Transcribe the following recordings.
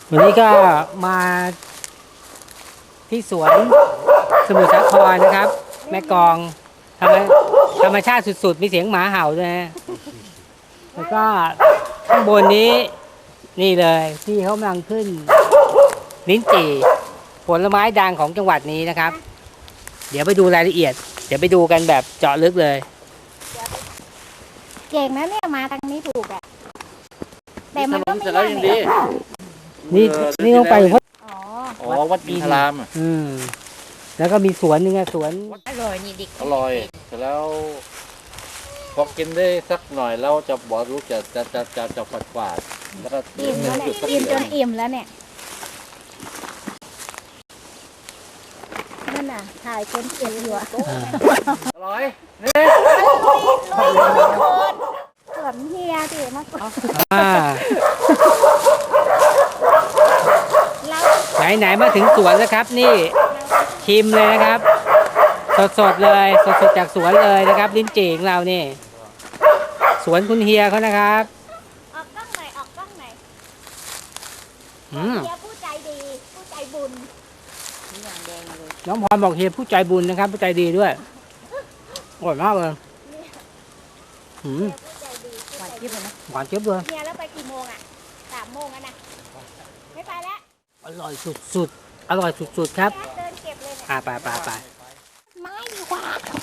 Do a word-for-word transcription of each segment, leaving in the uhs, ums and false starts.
วันนี้ก็มาที่สวนสมุทรสาครนะครับ แม่กลองธรรมธรรมชาติสุดๆมีเสียงหมาเห่าด้วยนะแล้วก็ข้างบนนี้นี่เลยที่เขากำลังขึ้นลิ้นจี่ผลไม้ดังของจังหวัดนี้นะครับ เดี๋ยวไปดูรายละเอียด เดี๋ยวไปดูกันแบบเจาะลึกเลยเก่งนะเนี่ยมาทางนี้ถูกอ่ะแต่มันก็ไม่เสร็จแล้วยังดีนี่นี่ต้องไปเพราะอ๋ออ๋อวัดอินทรามอ่ะอืมแล้วก็มีสวนหนึ่งอะสวนอร่อยนี่ดิอร่อยเสร็จแล้วพอกินได้สักหน่อยแล้วจะบอกรู้จะจะจะจะจะฝาดฝาดแล้วก็อิ่มแล้วเนี่ยกินจนอิ่มแล้วเนี่ยนั่นน่ะถ่ายคนเก็บอยู่อะอร่อยนี่สวนเฮียดิมากกว่าอ่าเราไหนไหนมาถึงสวนแล้วครับ นี่ชิมเลยนะครับ สดสดเลย สดสดจากสวนเลยนะครับ ลิ้นจี่ของเรานี่ สวนคุณเฮียเขานะครับออกกล้องหน่อยออกกล้องหน่อยอืมเฮียผู้ใจดีผู้ใจบุญน้องพรบอกเฮียผู้ใจบุญนะครับ ผู้ใจดีด้วยอร่อยมากเลยอืมผู้ใจดีหวานจิ๊บเลยนะหวานเจี๊ยบเลยเฮียแล้วไปกี่โมงอ่ะสามโมงแล้วนะไม่ไปแล้วอร่อยสุดๆอร่อยสุดๆครับเดินเก็บเลยเนี่ยอ่าไปไปไปไม่ดีกว่า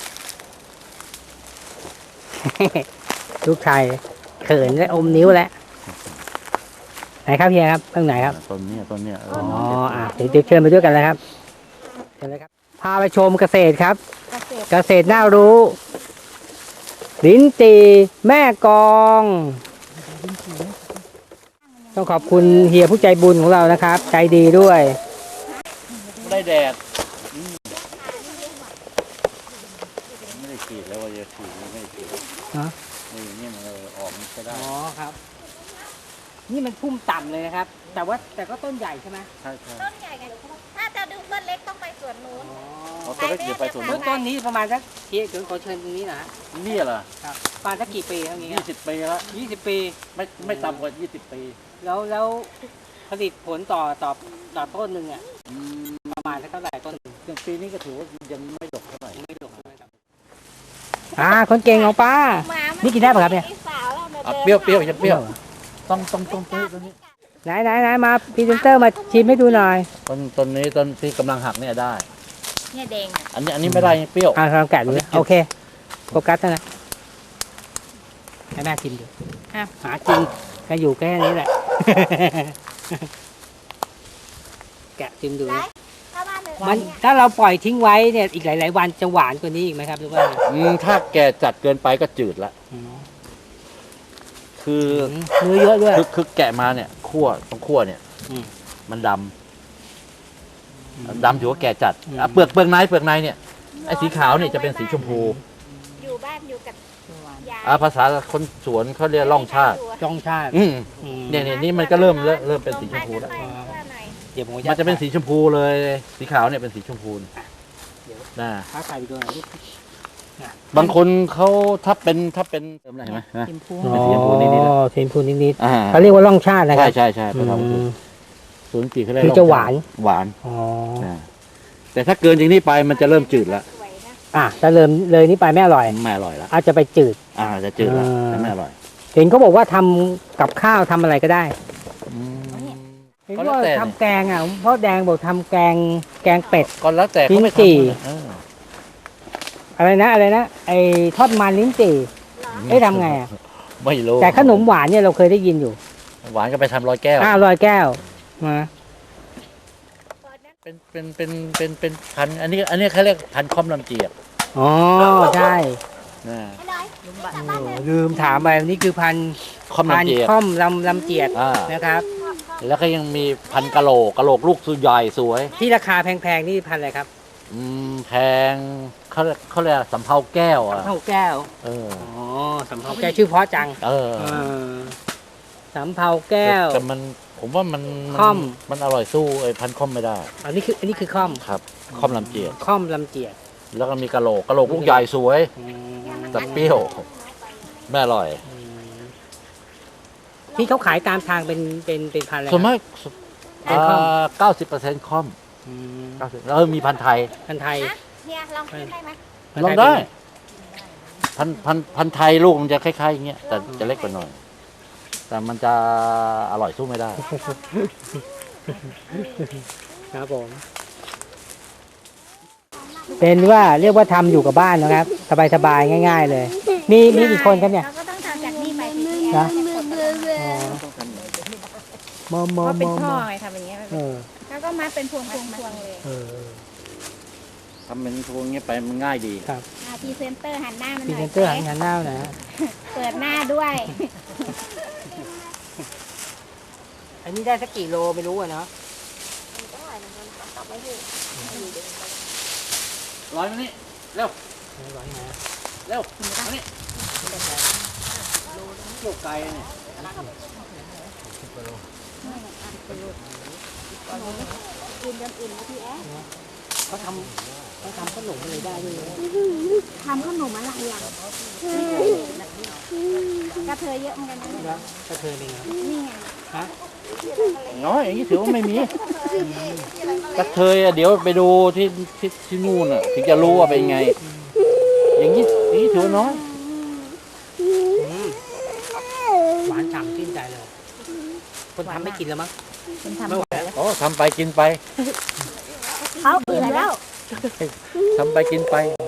ลูกชายเขินและอมนิ้วแล้วไหนครับเฮียครับตรงไหนครับต้นนี้ต้นนี้เออ๋อออ่ะเดี๋ยวเดี๋ยวเชิญไปด้วยกันเลยครับเชิญเลยครับ พาไปชมเกษตรครับเกษตรเกษตรน่ารู้ ลิ้นจี่แม่กลอง ต้องขอบคุณเฮียผู้ใจบุญของเรานะครับ ใจดีด้วยได้แดดอืมไม่ได้ขีดแล้วว่าจะขีดไม่ได้ขีดฮะนี่นี่มันเออออกมันก็ได้อ๋อครับ นี่มันพุ่มต่ำเลยนะครับ แต่ว่าแต่ก็ต้นใหญ่ใช่ไหมใช่ใช่ต้นใหญ่ไงถ้าจะดูต้นเล็กต้องไปสวนนู้นอ๋อเอาตัวเล็กเดี๋ยวไปสวนต้นู้นนต้นนี้ประมาณสักเฮียถึงขอเชิญตรงนี้นะนี่เหรอครับประมาณสักกี่ปีเท่านี้ยี่สิบปีแล้วยี่สิบปีไม่ไม่ต่ำกว่ายี่สิบปีแล้วแล้วผลิตผลต่อต่อต่อต้นหนึ่งอ่ะอืมประมาณสักเท่าไหร่ต้นหนึ่งอย่างปีนี้ก็ถือว่ายังไม่ดกเท่าไหร่ไม่ถูกครับอ่าคนเก่งของป้าหมามันี่กินได้ปะครับเนี่ยไอ้สาวเรามาอ่ะดินเปรี้ยวเปรี้ยวยังเปรี้ยวต้องต้องต้องต้นต้นนี้ไหนไหนไหนมาพรีเซนเตอร์มาชิมให้ดูหน่อยต้นต้นนี้ต้นที่กำลังหักเนี่ยได้เนี่ยแดงอ่ะอันนี้อันนี้ไม่ได้ยังเปรี้ยวอ่าลองแกะดูนะโอเคโฟกัสนะให้แม่ชิมดูอ่ะหาจริงก็อยู่แค่นี้แหละ แกะชิมดูไรนะถ้าบ้านเลยมันเนี่ยถ้าเราปล่อยทิ้งไว้เนี่ยอีกหลาย ๆ วันจะหวานกว่านี้อีกไหมครับหรือว่าอืมถ้าแก่จัดเกินไปก็จืดละอืมคือเนื้อเยอะด้วยคือคือแกะมาเนี่ยคั่วตรงคั่วเนี่ยอืมมันดำดำถือว่าแก่จัดอ่ะเปลือกเปลือกในเปลือกในเนี่ยไอ้สีขาวเนี่ยจะเป็นสีชมพูอยู่บ้านอยู่กับยายอ่ะภาษาคนสวนเขาเรียกร่องชาติจ้องชาติอืมอืมเนี่ยเนี่ยนี่มันก็เริ่มเริ่มเริ่มเป็นสีชมพูแล้วไปเพื่อหน่อยเดี๋ยวผมมันจะเป็นสีชมพูเลย สีขาวเนี่ยเป็นสีชมพูนะค้าขายไปดูหน่อยลูกบางคนเขาถ้าเป็นถ้าเป็นเติมอะไรเห็นไหมนะชิมพูเป็นสีชมพูนิดๆอ๋อสีชมพูนิดอ่าๆเขาเรียกว่าร่องชาตินะคใช่รับใช่ใช่อืภาษามศูนย์จีเขาเรียกคือจะหวานหวานอ๋อนะแต่ถ้าเกินจากนี้ไปมันจะเริ่มจืดแล้วสวยนะอ่ะถ้าเริ่มเลยนี้ไปไม่อร่อยไม่อร่อยแล้วอาจจะไปจืดอ่าจะจืดแล้วอ่าแต่ไม่อร่อยเห็นเขาบอกว่าทำกับข้าวทำอะไรก็ได้อืมเห็นก็แล้วว่าแต่ทำแกงอ่ะพ่อแดงบอกทำแกงแกงเป็ดก็แล้วแต่เขาไม่ลิ้นจี่ทำเอออะไรนะอะไรนะไอ้ทอดมันลิ้นจี่เอ้ยทำไงอ่ะไม่รู้แต่ขนมหวานเนี่ยเราเคยได้ยินอยู่หวานก็ไปทำร้อยแก้วอ่าลอยแก้วมาเป็นเป็นเป็นเป็นเป็นพันธุ์อันนี้อันนี้เขาเรียกพันธุ์ค่อมลำเจียกอ๋อใช่นะไอ้น้อยลุงบ้านกลับบ้านเลยลืมถามไปนี่คือพันค่อมพันลำเจียกค่อมลำลำเจียดอ่านะครับแล้วก็ยังมีพันธุ์กะโหลกกะโหลกลูกสุดใหญ่สวยที่ราคาแพงๆนี่พันอะไรครับอืมแพงเขาเขาเรียกสำเภาแก้วอ่ะสำเภาแก้วเอออ๋อสำเภาแก้วชื่อเพราะจังเออเออสำเภาแก้วแต่มันผมว่ามันนค่อมมันอร่อยสู้ไอ้พันธุ์ค่อมไม่ได้อันนี้คืออันนี้คือค่อมครับค่อมลำเจียกค่อมลำเจียดแล้วก็มีกะโหลกกะโหลกลูกใหญ่สวยอืมแต่เปรี้ยวไม่อร่อยอืมที่เขาขายตามทางเป็นเป็นเป็นพันอะไรส่วนครับมากเป็นคอมเก้าสิบเปอร์เซ็นต์คอมอืมเก้าสิบแล้วมีพันธุ์ไทยพันธุ์ไทยนะเฮียลองกินได้ไหมพันลธุ์องทยได้เป็นพันธุ์พันธุ์พันธุ์ไทยลูกมันจะคล้ายๆอย่างเงี้ยแต่จะเล็กกว่าหน่อย แต่มันจะอร่อยสู้ไม่ได้ครับผม เป็นว่าเรียกว่าทำอยู่กับบ้านนะครับ สบายๆง่าย ๆ เลย มีมีกี่คนครับเนี่ยเราก็ต้องทำจากนี่ไปที่นะแอร์มอมเพมอราะมเป็นมท่ออไงทำอย่างเงี้ยเออแล้วก็มาเป็นพวงพวงพวงเลยเออทำเป็นพวงเงี้ยไปมันง่ายดีครับอ่าพรีเซนเตอร์หันหน้ามันพรีหน่เซอยนเตอร์หันหันหน้าหนะฮะเปิดหน้าด้วยอันนี้ได้สักกี่โลไม่รู้อะเนาะร้อยมานี่เร็วร้อยนะเร็วมานี่เกี่ยวไกลเนี่ยเขาทำเขาทำขนมอะไรได้ด้วยนะทำขนมอะไรอ่ะกระเทยเยอะเหมือนกันนะแล้วกระเทยเป็นไงนี่ไงฮะน้อยอย่างนี้ถือว่าไม่มีกระเทยอะเดี๋ยวไปดูที่ที่ที่นู่นอ่ะถึงจะรู้ว่าเป็นไง อย่างนี้อย่างนี้ถือว่าน้อยอืมหวานฉ่ำชื่นใจเลย คนทำไม่กินแล้วมั้งคุณทำไม่ไหวแล้วอ๋อทำไปกินไปเขาเบื่อแล้วทำไปกินไป